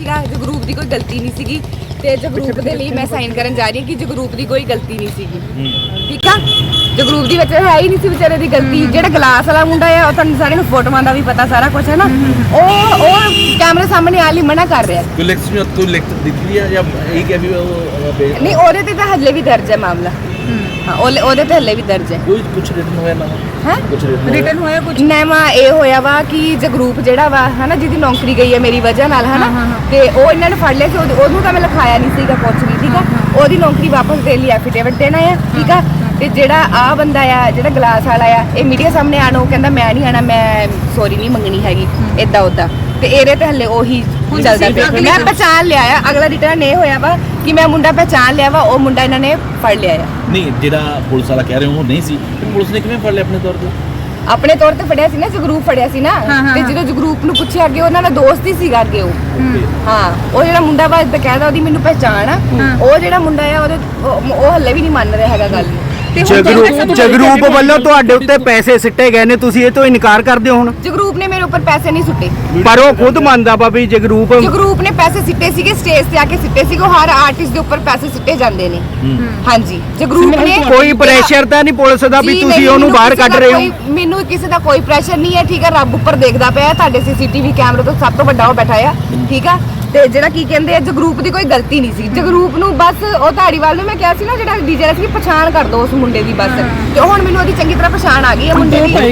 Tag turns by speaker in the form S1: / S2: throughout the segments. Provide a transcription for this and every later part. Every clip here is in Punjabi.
S1: ਸੀਗਾ, ਜਗਰੂਪ ਦੀ ਕੋਈ ਗਲਤੀ ਨਹੀਂ ਸੀਗੀ ਤੇ ਜਗਰੂਪ ਦੇ ਲਈ ਮੈਂ ਸਾਈਨ ਕਰਨ ਜਾ ਰਹੀ ਹਾਂ ਕਿ ਜਗਰੂਪ ਦੀ ਕੋਈ ਗਲਤੀ ਨਹੀਂ ਸੀਗੀ। ਠੀਕ ਆ, ਜਗਰੂਪ ਦੀ ਵਿੱਚ ਹੈ ਹੀ ਨਹੀਂ ਸੀ ਵਿਚਾਰੇ ਦੀ ਗਲਤੀ। ਜਿਹੜਾ ਗਲਾਸ ਵਾਲਾ ਮੁੰਡਾ ਆ ਉਹ ਤੁਹਾਨੂੰ ਸਾਰਿਆਂ ਨੂੰ ਫੋਟੋਆਂ ਦਾ ਵੀ ਪਤਾ ਸਾਰਾ ਕੁਝ ਹੈ ਨਾ, ਉਹ ਕੈਮਰੇ ਸਾਹਮਣੇ ਆਣ ਲਈ ਮਨਾ ਕਰ ਰਿਹਾ।
S2: ਕੋਈ ਲਿਖਤ ਦਿੱਤੀ ਹੈ ਜਾਂ ਇਹ ਕਿ ਵੀ ਉਹ
S1: ਨਹੀਂ, ਉਹਦੇ ਤੇ ਤਾਂ ਹੱਲੇ ਵੀ ਦਰਜ ਹੈ ਮਾਮਲਾ। ਹਾਂ, ਉਹਦੇ ਤੇ ਹੱਲੇ ਵੀ ਦਰਜ ਹੈ।
S2: ਕੋਈ ਕੁਝ ਰਿਟਨ ਹੋਇਆ ਨਾ
S1: ਹੈ
S2: ਕੁਝ
S1: ਰਿਟਨ ਹੋਇਆ ਕੁਝ ਨੈਮਾ ਇਹ ਹੋਇਆ ਵਾ ਕਿ ਜਗਰੂਪ ਜਿਹੜਾ ਵਾ ਹਨਾ ਜਿਹਦੀ ਨੌਕਰੀ ਗਈ ਹੈ ਮੇਰੀ ਵਜ੍ਹਾ ਨਾਲ ਹਨਾ, ਤੇ ਉਹ ਇਹਨਾਂ ਨੇ ਫੜ ਲਿਆ ਸੀ। ਉਹਨੂੰ ਤਾਂ ਮੈਂ ਲਿਖਾਇਆ ਨਹੀਂ ਸੀਗਾ ਕੁਛ ਵੀ। ਠੀਕ ਆ, ਉਹਦੀ ਨੌਕਰੀ ਵਾਪਸ ਦੇਣ ਲਈ ਐਫੀਡੇਵਿਟ ਦੇਣਾ ਆ। ਠੀਕ ਆ, ਤੇ ਜਿਹੜਾ ਆ ਬੰਦਾ ਆ ਜਿਹੜਾ ਗਲਾਸ ਵਾਲਾ ਆ ਇਹ ਮੀਡੀਆ ਸਾਹਮਣੇ ਆਣ ਉਹ ਕਹਿੰਦਾ ਮੈਂ ਨਹੀਂ ਆਣਾ, ਮੈਂ ਸੌਰੀ ਨਹੀਂ ਮੰਗਣੀ ਹੈਗੀ ਏਦਾਂ ਉਦਾਂ, ਤੇ ਇਹਦੇ ਤੇ ਹੱਲੇ ਉਹੀ ਚੱਲਦਾ ਪਿਆ। ਮੈਂ ਪਹਿਚਾਣ ਲਿਆ ਆ, ਅਗਲਾ ਰਿਟਰਨ ਇਹ ਹੋਇਆ ਵਾ ਕਿ ਮੈਂ ਮੁੰਡਾ ਪਹਿਚਾਣ ਲਿਆ ਵਾ, ਉਹ ਮੁੰਡਾ ਇਹਨਾਂ ਨੇ ਫੜ ਲਿਆ ਆ।
S2: ਨਹੀਂ, ਜਿਹੜਾ ਪੁਲਿਸ ਵਾਲਾ ਕਹਿ ਰਹੇ ਉਹ ਨਹੀਂ ਸੀ, ਪੁਲਿਸ ਨੇ ਕਿਵੇਂ ਫੜ ਲਿਆ ਆਪਣੇ ਤੌਰ ਤੇ?
S1: ਆਪਣੇ ਤੌਰ ਤੇ ਫੜਿਆ ਸੀ ਨਾ, ਜਗਰੂਪ ਫੜਿਆ ਸੀ ਨਾ। ਤੇ ਜਦੋਂ ਜਗਰੂਪ ਨੂੰ ਪੁੱਛਿਆ ਅੱਗੇ ਉਹਨਾਂ ਦਾ ਦੋਸਤ ਹੀ ਸੀਗਾ ਅੱਗੇ ਉਹ। ਹਾਂ, ਉਹ ਜਿਹੜਾ ਮੁੰਡਾ ਵਾ ਬਕਾਇਦਾ ਉਹਦੀ ਮੈਨੂੰ ਪਹਿਚਾਣ ਆ। ਉਹ ਜਿਹੜਾ ਮੁੰਡਾ ਆ ਉਹ ਹੱਲੇ ਵੀ ਨਹੀਂ ਮੰਨ ਰਿਹਾ ਹੈਗਾ ਗੱਲ ਨੂੰ।
S3: ਜਗਰੂਪ ਵੱਲੋਂ ਤੁਹਾਡੇ ਉੱਤੇ ਪੈਸੇ ਸਿੱਟੇ ਗਏ ਨੇ, ਤੁਸੀਂ ਇਹ ਤੋਂ ਇਨਕਾਰ ਕਰਦੇ ਹੋ ਹੁਣ?
S1: ਜਗਰੂਪ ਨੇ ਮੇਰੇ ਉੱਪਰ ਪੈਸੇ ਨਹੀਂ ਸੁੱਟੇ,
S3: ਪਰ ਉਹ ਖੁਦ ਮੰਨਦਾ ਵਾ ਵੀ ਜਗਰੂਪ
S1: ਨੇ ਪੈਸੇ ਸਿੱਟੇ ਸੀਗੇ, ਸਟੇਜ ਤੇ ਆ ਕੇ ਸਿੱਟੇ ਸੀਗੇ। ਉਹ ਹਰ ਆਰਟਿਸਟ ਦੇ ਉੱਪਰ ਪੈਸੇ ਸਿੱਟੇ ਜਾਂਦੇ ਨੇ। ਹਾਂਜੀ, ਜਗਰੂਪ ਨੇ
S3: ਕੋਈ ਪ੍ਰੈਸ਼ਰ ਤਾਂ ਨਹੀਂ ਪੁਲਿਸ ਦਾ ਵੀ ਤੁਸੀਂ ਉਹਨੂੰ ਬਾਹਰ ਕੱਢ ਰਹੇ ਹੋ?
S1: ਮੈਨੂੰ ਕਿਸੇ ਦਾ ਕੋਈ ਪ੍ਰੈਸ਼ਰ ਨਹੀਂ ਹੈ। ਠੀਕ ਹੈ, ਰੱਬ ਉੱਪਰ ਦੇਖਦਾ ਪਿਆ, ਤੁਹਾਡੇ ਸੀਸੀਟੀਵੀ ਕੈਮਰੇ ਤੋਂ ਸਭ ਤੋਂ ਵੱਡਾ ਉਹ ਬੈਠਾ ਆ। ਠੀਕ ਆ, ਤੇ ਜਿਹੜਾ ਕੀ ਕਹਿੰਦੇ ਆ ਜਗਰੂਪ ਦੀ ਕੋਈ ਗਲਤੀ ਨਹੀਂ ਸੀ। ਜਗਰੂਪ ਨੂੰ ਬਸ ਉਹ ਧਾੜੀਵਾਲ ਨੂੰ ਮੈਂ ਕਿਹਾ ਸੀ ਨਾ ਜਿਹੜਾ ਡੀਜੇ ਰੱਖੀ ਪਛਾਣ ਕਰ ਦੋ ਉਸ ਮੁੰਡੇ ਦੀ ਬਸ, ਤੇ ਹੁਣ ਮੈਨੂੰ ਉਹਦੀ ਚੰਗੀ ਤਰ੍ਹਾਂ ਪਛਾਣ ਆ ਗਈ ਹੈ ਮੁੰਡੇ ਦੀ।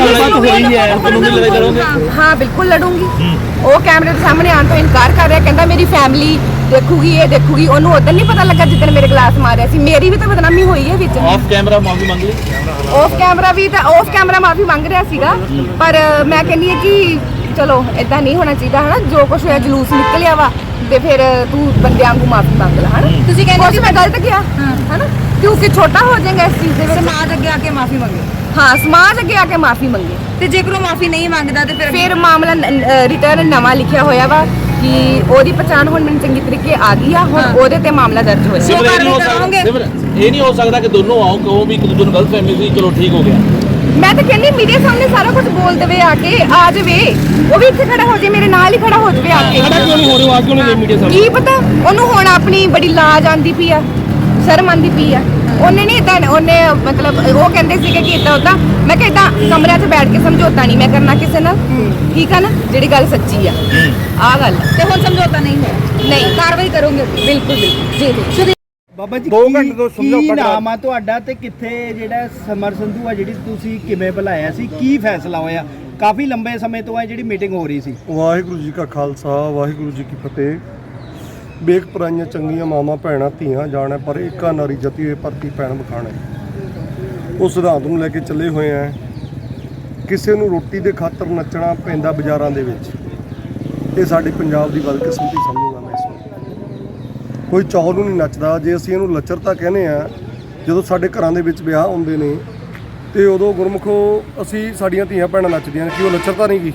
S1: ਹਾਂ ਬਿਲਕੁਲ ਲੜੂੰਗੀ। ਉਹ ਕੈਮਰੇ ਦੇ ਸਾਹਮਣੇ ਆਉਣ ਤੋਂ ਇਨਕਾਰ ਕਰ ਰਿਹਾ, ਕਹਿੰਦਾ ਮੇਰੀ ਫੈਮਿਲੀ ਦੇਖੂਗੀ, ਇਹ ਦੇਖੂਗੀ। ਉਹਨੂੰ ਉਦੋਂ ਨਹੀਂ ਪਤਾ ਲੱਗਾ ਜਿੱਦਣ ਮੇਰੇ ਗਲਾਸ ਮਾਰਿਆ ਸੀ। ਮੇਰੀ ਵੀ ਤਾਂ ਬਦਨਾਮੀ ਹੋਈ ਹੈ ਵਿੱਚ।
S2: ਆਫ ਕੈਮਰਾ ਮਾਫੀ ਮੰਗ ਲਈ?
S1: ਆਫ ਕੈਮਰਾ ਮਾਫੀ ਮੰਗ ਰਿਹਾ ਸੀਗਾ, ਪਰ ਮੈਂ ਕਹਿੰਦੀ ਹਾਂ ਕਿ ਚਲੋ ਏਦਾਂ ਨਹੀਂ ਹੋਣਾ ਚਾਹੀਦਾ ਹਨਾ। ਜੋ ਕੁਝ ਹੋਇਆ ਜਲੂਸ ਨਿਕਲਿਆ ਵਾ ਤੇ ਫਿਰ ਤੂੰ ਬੰਦਿਆਂ ਵਾਂਗੂ ਮਾਫੀ ਮੰਗ ਲੈ ਹਨਾ। ਤੁਸੀਂ ਕਹਿੰਦੇ ਮੈਂ ਗਲਤ ਕਿਹਾ ਹਨਾ, ਕਿਉਂਕਿ ਛੋਟਾ ਹੋ ਜਾਏਗਾ ਇਸ ਚੀਜ਼ ਦੇ ਵਿੱਚ।
S4: ਸਮਾਜ ਅੱਗੇ ਆ ਕੇ ਮਾਫੀ ਮੰਗੇ।
S1: ਹਾਂ, ਸਮਾਜ ਅੱਗੇ ਆ ਕੇ ਮਾਫੀ ਮੰਗੇ।
S4: ਤੇ ਜੇਕਰ ਉਹ ਮਾਫੀ ਨਹੀਂ ਮੰਗਦਾ ਤੇ
S1: ਫਿਰ ਮਾਮਲਾ ਰਿਟਰਨ ਨਵਾਂ ਲਿਖਿਆ ਹੋਇਆ ਵਾ ਕਿ ਉਹਦੀ ਪਛਾਣ ਹੁਣ ਮੈਨੂੰ ਚੰਗੀ ਤਰੀਕੇ ਆ ਗਈ ਆ। ਹੁਣ ਉਹਦੇ ਤੇ ਮਾਮਲਾ ਦਰਜ ਹੋਇਆ।
S2: ਇਹ ਨਹੀਂ ਹੋ ਸਕਦਾ ਕਿ ਦੋਨੋਂ ਆਓ ਕਹੋ ਵੀ ਇੱਕ ਦੂਜੇ ਨੂੰ ਗਲਤ ਫਹਿਮੀ ਸੀ, ਚਲੋ ਠੀਕ ਹੋ ਗਿਆ।
S1: ਮੈਂ ਤਾਂ ਕਹਿੰਦੀ ਮੀਡੀਆ ਸਾਹਮਣੇ ਸਾਰਾ ਕੁਝ ਬੋਲ ਦੇਵੇ, ਆ ਕੇ ਆ ਜਾਵੇ। ਉਹ ਵੀ ਇੱਥੇ ਖੜਾ ਹੋ ਜਾਵੇ, ਮੇਰੇ ਨਾਲ ਹੀ ਖੜਾ ਹੋ ਜਾਵੇ ਆ ਕੇ।
S2: ਕਿਉਂ ਨਹੀਂ ਹੋ ਰਿਹਾ? ਕਿਉਂ ਨਹੀਂ ਮੀਡੀਆ ਸਾਹਮਣੇ?
S1: ਕੀ ਪਤਾ ਉਹਨੂੰ ਹੁਣ ਆਪਣੀ ਬੜੀ ਲਾਜ ਆਂਦੀ ਪਈ ਆ, ਸ਼ਰਮ ਆਂਦੀ ਪਈ ਆ। ਉਹਨੇ ਨਹੀਂ ਇਦਾਂ, ਉਹਨੇ ਮਤਲਬ ਉਹ ਕਹਿੰਦੇ ਸੀਗੇ ਕਿ ਇਦਾਂ ਉਦਾਂ। ਮੈਂ ਕਿਹਾ ਇਦਾਂ ਕਮਰਿਆਂ 'ਚ ਬੈਠ ਕੇ ਸਮਝੌਤਾ ਨਹੀਂ ਮੈਂ ਕਰਨਾ ਕਿਸੇ ਨਾਲ। ਠੀਕ ਆ ਨਾ, ਜਿਹੜੀ ਗੱਲ ਸੱਚੀ ਆ ਆਹ ਗੱਲ।
S4: ਤੇ ਹੁਣ ਸਮਝੌਤਾ ਨਹੀਂ ਹੋਇਆ?
S1: ਨਹੀਂ,
S4: ਕਾਰਵਾਈ ਕਰੋਗੇ?
S1: ਬਿਲਕੁਲ ਜੀ।
S3: ਬਾਬਾ ਜੀ 2 ਘੰਟੇ ਤੋਂ ਕੀ ਨਾਮ ਆ ਤੁਹਾਡਾ ਤੇ ਕਿੱਥੇ ਜਿਹੜਾ ਸਮਰ ਸੰਧੂ ਆ ਜਿਹੜੀ ਤੁਸੀਂ ਕਿਵੇਂ ਬੁਲਾਇਆ ਸੀ, ਕੀ ਫੈਸਲਾ ਹੋਇਆ? ਕਾਫੀ ਲੰਬੇ ਸਮੇਂ ਤੋਂ ਹੈ ਜਿਹੜੀ ਮੀਟਿੰਗ ਹੋ ਰਹੀ ਸੀ।
S5: ਵਾਹਿਗੁਰੂ ਜੀ ਕਾ ਖਾਲਸਾ ਵਾਹਿਗੁਰੂ ਜੀ ਕੀ ਫਤਿਹ। ਵੇਖ ਪਰਾਈਆਂ ਚੰਗੀਆਂ ਮਾਵਾਂ ਭੈਣਾਂ ਧੀਆਂ ਜਾਣਾ, ਪਰ ਏਕਾ ਨਾਰੀ ਜਤੀ ਹੋਏ ਭਰਤੀ ਭੈਣ ਬਖਾਣਾ। ਉਸ ਸਿਧਾਂਤ ਨੂੰ ਲੈ ਕੇ ਚੱਲੇ ਹੋਏ ਆ। ਕਿਸੇ ਨੂੰ ਰੋਟੀ ਦੇ ਖਾਤਰ ਨੱਚਣਾ ਪੈਂਦਾ ਬਾਜ਼ਾਰਾਂ ਦੇ ਵਿੱਚ, ਇਹ ਸਾਡੇ ਪੰਜਾਬ ਦੀ ਬਦਕਿਸਮਤੀ ਸਮਝੂਗਾ ਮੈਂ ਇਸ ਨੂੰ। ਕੋਈ ਚੌਲ ਨੂੰ ਨਹੀਂ ਨੱਚਦਾ। ਜੇ ਅਸੀਂ ਇਹਨੂੰ ਲੱਚਰਤਾ ਕਹਿੰਦੇ ਆ, ਜਦੋਂ ਸਾਡੇ ਘਰਾਂ ਦੇ ਵਿੱਚ ਵਿਆਹ ਹੁੰਦੇ ਨੇ ਤੇ ਉਦੋਂ ਗੁਰਮੁਖੋ ਅਸੀਂ ਸਾਡੀਆਂ ਧੀਆਂ ਭੈਣਾਂ ਨੱਚਦੀਆਂ ਨੇ, ਕਿ ਉਹ ਲੱਚਰਤਾ ਨਹੀਂ ਗੀ?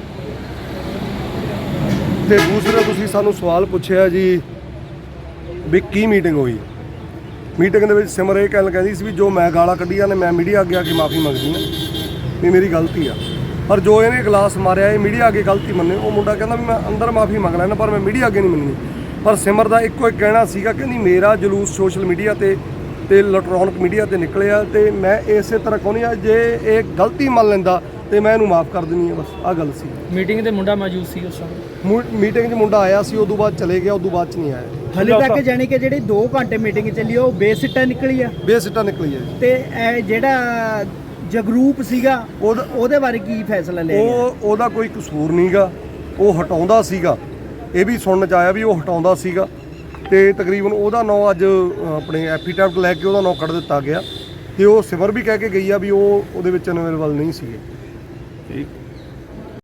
S5: ਤੇ ਦੂਸਰਾ ਤੁਸੀਂ ਸਾਨੂੰ ਸਵਾਲ ਪੁੱਛਿਆ ਜੀ ਵੀ ਕੀ ਮੀਟਿੰਗ ਹੋਈ। ਮੀਟਿੰਗ ਦੇ ਵਿੱਚ ਸਿਮਰ ਇਹ ਕਹਿੰਦੀ ਸੀ ਵੀ ਜੋ ਮੈਂ ਗਾਲਾਂ ਕੱਢੀਆਂ ਨੇ ਮੈਂ ਮੀਡੀਆ ਅੱਗੇ ਆ ਕੇ ਮਾਫੀ ਮੰਗਦੀ ਹਾਂ ਵੀ ਮੇਰੀ ਗਲਤੀ ਆ। ਪਰ ਜੋ ਇਹਨੇ ਗਲਾਸ ਮਾਰਿਆ ਇਹ ਮੀਡੀਆ ਅੱਗੇ ਗਲਤੀ ਮੰਨੇ। ਉਹ ਮੁੰਡਾ ਕਹਿੰਦਾ ਵੀ ਮੈਂ ਅੰਦਰ ਮਾਫੀ ਮੰਗ ਲੈਣਾ ਪਰ ਮੈਂ ਮੀਡੀਆ ਅੱਗੇ ਨਹੀਂ ਮੰਨਣੀ। ਪਰ ਸਿਮਰ ਦਾ ਇੱਕੋ ਇੱਕ ਕਹਿਣਾ ਸੀਗਾ, ਕਹਿੰਦੀ ਮੇਰਾ ਜਲੂਸ ਸੋਸ਼ਲ ਮੀਡੀਆ ਤੇ ਇਲੈਕਟ੍ਰੋਨਿਕ ਮੀਡੀਆ ਤੇ ਨਿਕਲਿਆ ਤੇ ਮੈਂ ਇਸੇ ਤਰ੍ਹਾਂ ਕਹਿੰਦੀ ਆ ਜੇ ਇਹ ਗਲਤੀ ਮੰਨ ਲੈਂਦਾ ਤੇ ਮੈਂ ਇਹਨੂੰ ਮਾਫ ਕਰ ਦਿੰਦੀ ਆ। ਬਸ ਆਹ ਗੱਲ ਸੀ।
S6: ਮੀਟਿੰਗ ਤੇ ਮੁੰਡਾ ਮੌਜੂਦ ਸੀ ਉਸ ਸਮੇਂ?
S5: ਮੀਟਿੰਗ 'ਚ ਮੁੰਡਾ ਆਇਆ ਸੀ, ਉਦੋਂ ਬਾਅਦ ਚਲੇ ਗਿਆ, ਉਦੋਂ ਬਾਅਦ 'ਚ ਨਹੀਂ ਆਇਆ।
S3: ਹਲੇ ਤੱਕ ਜਾਣੀ ਕਿ ਜਿਹੜੀ 2 ਘੰਟੇ ਮੀਟਿੰਗ ਚੱਲੀ ਉਹ ਬੇਸਿੱਟਾ ਨਿਕਲੀ ਆ।
S5: ਬੇਸਿੱਟਾ ਨਿਕਲੀ ਹੈ।
S3: ਤੇ ਇਹ ਜਿਹੜਾ ਜਗਰੂਪ ਸੀਗਾ ਉਹਦੇ ਬਾਰੇ ਕੀ ਫੈਸਲਾ ਲਿਆ ਗਿਆ?
S5: ਉਹਦਾ ਕੋਈ ਕਸੂਰ ਨਹੀਂਗਾ, ਉਹ ਹਟਾਉਂਦਾ ਸੀਗਾ। ਇਹ ਵੀ ਸੁਣਨ 'ਚ ਆਇਆ ਵੀ ਉਹ ਹਟਾਉਂਦਾ ਸੀਗਾ ਤੇ ਤਕਰੀਬਨ ਉਹਦਾ ਨਾਂ ਅੱਜ ਆਪਣੇ ਐਫੀਡੈਵਿਟ ਲੈ ਕੇ ਉਹਦਾ ਨਾਂ ਕੱਢ ਦਿੱਤਾ ਗਿਆ ਤੇ ਉਹ ਸਿਮਰ ਵੀ ਕਹਿ ਕੇ ਗਈ ਆ ਵੀ ਉਹ ਉਹਦੇ ਵਿੱਚ ਅਵੇਲੇਬਲ ਨਹੀਂ ਸੀਗੇ।
S2: ਠੀਕ।